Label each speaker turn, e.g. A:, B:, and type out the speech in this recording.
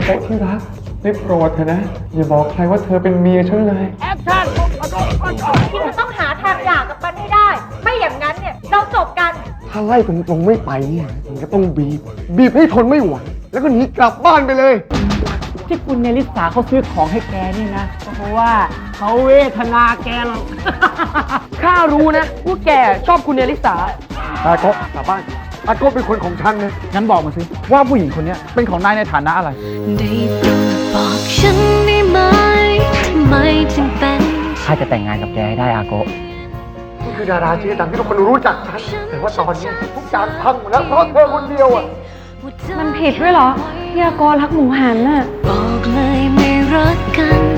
A: โกะที่รักได้โปรดเถอะนะอย่าบอกใครว่าเธอเป็นเมียฉันเลย
B: แอคชั่นที่จะต้องหาทางหย่ากับมันให้ได้ ไม่อย่างนั้นเนี่ยเราจบกัน
C: ถ้าไล่ตรงๆไม่ไปเนี่ยมันก็ต้องบีบให้ทนไม่ไหวแล้วก็หนีกลับบ้านไปเลย
D: ที่คุณเนลิสาเขาซื้อของให้แกนี่นะก็เพราะว่าเขาเวทนาแกหรอก
E: ข้ารู้นะว่าแกชอบคุณเนลิสา
C: อาโกะกลับบ้านอาโกะเป็นคนของฉันนะ
D: งั้นบอกมาสิว่าผู้หญิงคนนี้เป็นของนายในฐานะอะไร
F: ได้โปรดบอกฉันได้ไหมทำไมจึงเป็น
D: ข้าจะแต่งงานกับแกให้ได้อาโกะ
C: นี่คือดาราชื่อดังที่ทุกคนรู้จักฉันแต่ว่าตอนนี้ทุกอย่างพังหมดแล้วเพราะเธอคนเดียวอ่ะ
F: มันผิดด้วยเหรอที่อาโกรักหมูหันน่ะบอกเลยไม่รักกัน